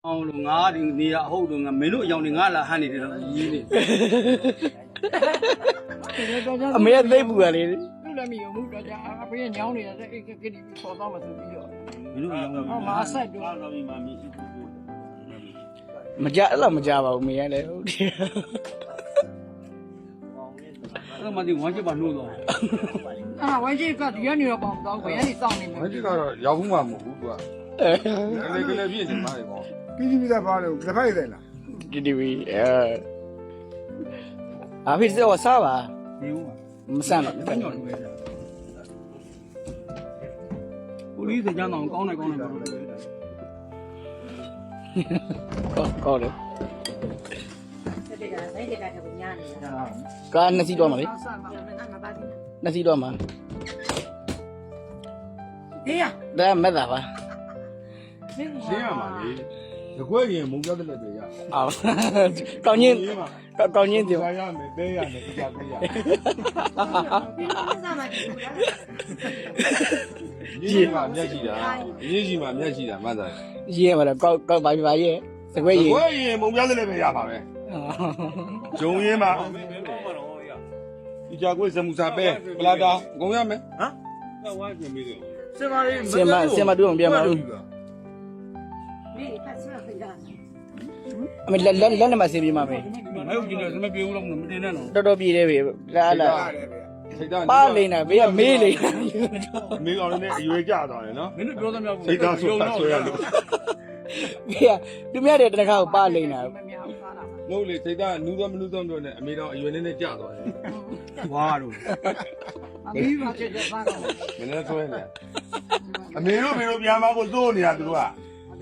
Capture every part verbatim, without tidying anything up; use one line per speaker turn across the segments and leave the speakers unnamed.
အောင်လို့ငါဒီနေရအဟုတ်လို့ငါမင်းတို့အယောင်တွေငါလာဟန်နေတယ်တော့ရေးနေ
အမေကသိပ်ပူရလေ
လူလည်းမယုံဘူးတော့ကြာအဖေညောင်းနေတဲ့အဲ့ကိတိပေါ်တော့မှဆိုပြီးတော့
မင်းတို့အယောင်က
ဟောမာဆက်တော့
တော့ပြီးမှမင်း
မကြအဲ့လိုမကြပါဘူးမေကလည်းဟုတ်တယ်
အဲ့မှဒီဝမ်းချစ်ပါနှိုးတော့
အာဝိုင်းကြီးကဒီကနေတော့ပေါတော့ဘယ်ကနေစောင့်နေမ
မ
လဲ
ကြီးကတော့ရောက်ဘူးမှမဟုတ်ဘူးသူကကလေးကလေးပြည့်နေမှာလေပေါ့
ပြီးပြီးသားပါလို့တစ်ဖက်ရတယ်လား
ဒီဒီဝီအဲအဖေစောစားပါ
ဒီဦးမှာ
မဆန့်တော့
ညောင်းလို့ပဲကိုလေးစကြမ်းတော့ကောင်းတယ်ကောင်းတယ်ပြောလို့
ကောကောတယ်
ဆက်တက်ကနိုင်တက်ကထပ်ညာနေလား
ကားနှစ်စီးတော့မှာလေ
ဆက်မှာ
ကျွန်တော်ကမပါသေးဘူး
နှစ်စီးတော့မှာ
ဟေးရ
ဒါမက်တာပါ
ရှင်းရမှာလေတကွဲရင်မုံပြတဲ့လက်တွေရ
အော်ကောင်းချင်းကောင်းချင်းတင်
ရရမယ်တဲရမယ်အကြပေးရ
ဒီလိုစားမှကြည့်ဘူးလား
ရေးကြီးမှာမျက်ရှိတာရေးကြီးမှာမျက်ရှိတာမှတ်သား
ရေးရမှာတော့ကောက်ကောက်ပါပြပါရဲ့စကွဲ
တ
ရေး
ကွဲရင်မုံပြတဲ့လက်ပဲရပါပဲဂျုံရင်းမှာဒီကြကွေးဇမူစာပဲပလာတာအကုန်ရမယ်ဟမ်ဝိုင်းပြင်ပြီးတယ်စင်ပါလေး
စင်မစင်မတူအောင်ပြန်ပါဦး
ဒီဖတ်ဆက်ဖိတာ
အမေလက်လက်လက်နဲ့မစင်ပြမှာပဲ
မဟုတ်ကြည့်လို့စမပြေဘူးလို့မတင်နဲ့တော့
တော်တော်ပြည့်တယ်ပဲလာလာ
စိတ်ဓာတ်
ပါလိမ့်တာဘေးကမေးလိမ့်
မေကောင်လေးနဲ့အရွယ်ကြသွားတယ်နော်
မင်းတို့ပြောသမျှ
စိတ်ဓာတ်ဆိုတာဆွဲရလို့
ဘေးကသူများတဲ့တနခါကိုပါလိမ့်တာ
မများဘူးစားတာ
မဟုတ်လေစိတ်ဓာတ်နူးတော့မနူးတော့တော့နဲ့အမေတော်အရွယ်လေးနဲ့ကြသွားတယ်
ဝါတို့
အမီးပါချက်ချက်စားတော့
မင်းလည်းဆွဲနေအမေတို့မေတို့ပြန်မကိုသိုးနေတာသူတို့က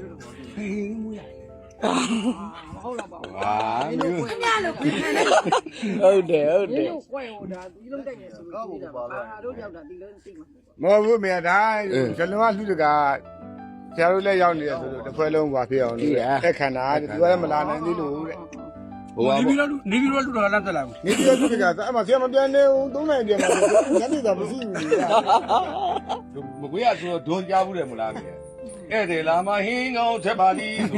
မဟုတ်တော့ပါဘူး
ဟာမျိုး
ညလို့ခွင့်ခံတယ်
ဟုတ်တယ်ဟုတ်
ဒီ
တယ်
လိုကွဲဟိုဒါဒီလုံးတက်နေဆိုလို့ဒီတာပါတို့ရောက်တာဒီလုံးသိမှာ
မဟုတ်ဘူးမေဒါဇလုံးကလှူတကဆရာတို့လည်းရောက်နေတယ်ဆိုလို့တစ်ခွဲလုံးပါဖြစ်အောင်လို့တက်ခန္ဓာသူကလည်းမလာနိုင်သေးလို့တဲ့
ဟိုပါ
နေပြီးတော့နေပြီးတော့လူတော်ကလမ်းတက်လာဘူး
နေပြီးတော့လှူတကအဲ့မှာဆရာမပြန်နေဘူးသုံးနိုင်ပြန်မှာညနေတော့မရှိဘူးလေ
မကွေးရဆိုတော့ဒွန်ကြားဘူးတယ်မလားမြေဧည့်သည်လာမဟင်းကောင်းချက်ပါသည်ဆို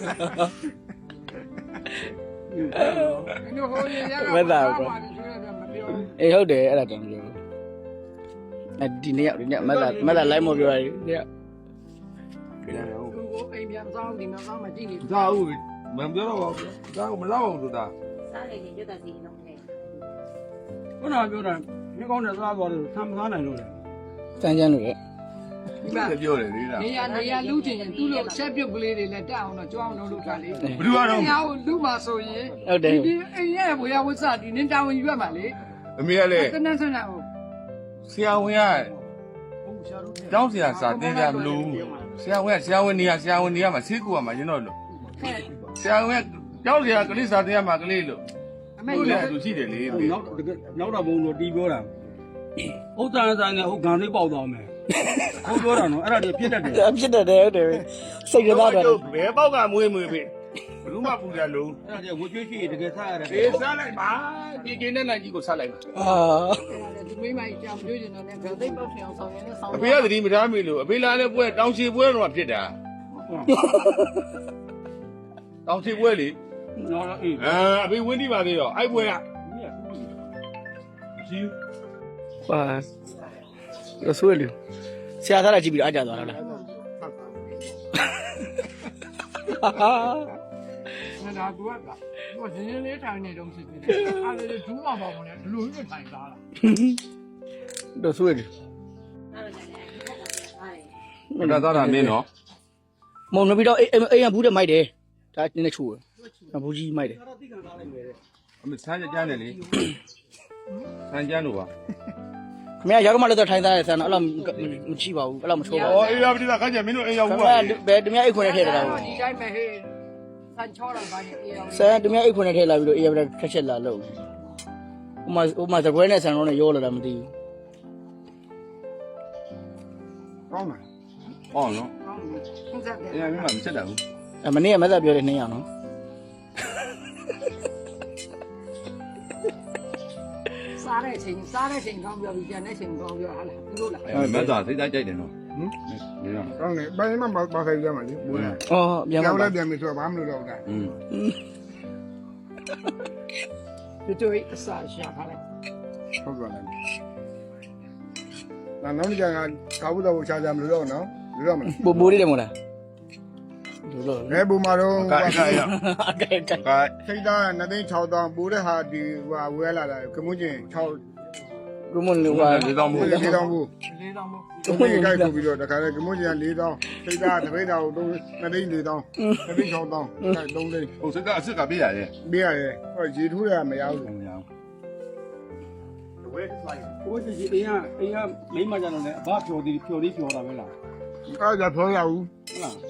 ဒီလိုဟိုရရကမပြော
အေးဟုတ်တယ်အဲ့ဒါတောင်ပြောအဲဒီနေ့ရောက်ဒီနေ့မက်လာမက်လာလိုက်မပြောရဘူးနေ့
တယ်ဟုတ်
သူကိုအိမ်ပြန်စားဒီမှာစားမှကြည့်နေ
ဒါဟုတ်မပြောတော့ပါဘူးဒါကမလောက်အောင်ဆိုတာ
စားနေရင်ရွတ်တာစီတော့ခဲ့
ခုနကပြောတာဒီကောင်းတဲ့စားသွားတယ်ဆမ်းမစားနိုင်လို့လေ
စမ်းချမ်းလို့ရ
ဒီမှာ
ပြောတယ်လေဒါ
နေရနေရလူချင်းရင်သူ့လိုချက်ပြုတ်ကလေးတွေလည်းတက်အောင်တော့ကြွအောင်လုပ်လို့ထားလေ
ဘယ်သူကတော့
။ညာကိုလူမှာဆိုရင်
ဟုတ်တယ်
ဒီအိမ်ရဲ့ဘွေရဝတ်စားဒီနင်းတာဝန်ယူရမှာလေ
အမေကလည်း
။တနန်းဆန်းတာကို
ဆရာဝန်ကကျောင်းဆရာစာတင်ကြမလို့ဆရာဝန်ကဆရာဝန်နေရဆရာဝန်နေရမှာဆေးကူရမှာရင်းတော့လို့ဆရာဝန်ကကျောင်းဆရာကလေးစာတင်ရမှာကလေးလို့
အမေ
ဟုတ်
ရ
လေသူရှိတယ်လေ
နောက်တကယ်နောက်တော့ဘုံတို့တီးပြောတာဥစ္စာဆိုင်နဲ့ဟုတ်ဂန်သေးပေါက်သွားမယ်ဟုတ်ပြောတာနော်အဲ့ဒါတွေပြစ်တတ်တယ်
ဖြစ်တယ်ဟုတ်တယ်စိတ်ကသားတယ်
ဘယ်ပေါက်ကမွေးမွေးပြီဘလူးမပူကြလုံး
အဲ့ဒါတွေဝကျွေးရှိတကယ်စားရတယ်
အေးစားလိုက်ပါဒီကင်းတဲ့နိုင်ကြီးကိုစားလိုက်ပါ
အာ
ဒီမိမကြီးကြောင်တွေးနေတော့လည်းဂသိပေါက်ထင်အောင်ဆောင်ရင်လည်းဆောင်
အဖေကသတိမထားမိလို့အဖေလာတဲ့ပွဲတောင်ချီပွဲတော့ဖြစ်တာတောင်ချီပွဲလေ
နော်အေး
အာအဖေဝင်းတိပါသေးရောအဲ့ပွဲကကြီး
ပါရဆွေးလူဆရာသားလာကြည့်ပြီးတော့အကြသွားတော့လား
ငါဒါကူကဟိုစင်းစင်းလေးထိုင်နေတော့ရှိသေးတယ်။အဲ့ဒါဒူးမှာပေါ့မလဲဒီလိုကြီးထိုင်သားလား
တော့ဆွေးလူ
အဲ့ဒါလည်းဒီဘက်ကပါတယ်
မတာသားတာမင်းနော်
မုံနေပြီးတော့အိမ်အိမ်ကဘူးတဲ့မိုက်တယ်ဒါနည်းနည်းချိုးတယ်ဘူးကြီးမိုက်တယ်
အမေဆန်းကြမ်းတယ်လေဆန်းကြမ်းလို့ပါ
ခင်ဗျာရောက်တော့မှလည်းတော့ထိုင်သားရဆန်တော့အဲ့လိုမချိပါဘူးအဲ့လိုမချိုးပါဘူး
အော်အေးရပြီလားခါကျမင်းတို့အိမ်ရောက်
ခင်
ဘူး
ဗျာ
ပါလေ
ဘယ်တမယအိတ်ခွန်းနဲ့ထည့်တာလဲ
ဒီတိုင်းပဲဟေးဆန်ချောတာပါနေအေးအောင်
ဆန်တမယအိတ်ခွန်းနဲ့ထည့်လာပြီးတော့အေးရခက်ချက်လာလို့ဥမာဥမာသကွဲနဲ့ဆန်တော့နဲ့ရောလာတာမသိဘူး
ကောင်းပါ
ဟောနော်
ဟင်းစားတယ်
အေးမင်းမမချက်တာဘူး
အမနေ့ကမသက်ပြောတယ်နှစ်ယောက်နော်
စားတဲ့အချိန်စားတဲ့အချိန်ကောင်းပြောပြီးပြန်တဲ့အချိန်ကောင်းပြောဟာလားသူတို့လား
အဲမတ်သားစိတ်သားကြိုက်တယ်နော်ဟမ်နေတော့
ကောင်းတယ်ဘယ်မှမပါဆိုင်ကြမှာလေဘူးလား
အော်ပြန်
ကြော
ပါ
က်လည်းပြန်ပြီဆိုတော့ဘာမှမလုပ်တော့ဘူး
อืม
ဒီတို့အစားရှာခါလိုက်
ဟုတ်ပါလားနာနောက်ကြကကာဘူးတော့ချာချာမလို့တော့နော်လို့တော့မလား
ပူပူလေးတယ်မို့လားလို့လို့
ဘယ်ဘူမှာတော့
ကဲကဲရ
အကဲကဲ
ကဲ
ထိတ်သားနှစ်သိန်း၆တောင်းပိုးတဲ့ဟာဒီဟိုဝဲလာတာကမွန်းကျင်၆
ကုမွန်လူပါ
ဒီတော့မို့
လေးတောင်းဘူး
လေးတောင်မို့
သူမိကြိုက်ပို့ပြီးတော့တခါလေကမွန်းကျင်က၄တောင်းထိတ်သားတစ်ပိတ်တောင်းတော့နှစ်သိန်း၄တောင်းနှစ်သိန်း၆တောင်းအဲ၃သိန်း
ဟိုစကအစ်စ်ကပြရတယ်
ပေးရတယ်ဟောရေထိုးရမရဘူး
မရဘူး
ဟိုတကြီးအိမ်ကအိမ်ကမိမကြတော့လေအဘဖြော်သေးဖြော်သေးဖြော်တာပဲလား
အားကြဖော်ရဘူး
ဟုတ်လား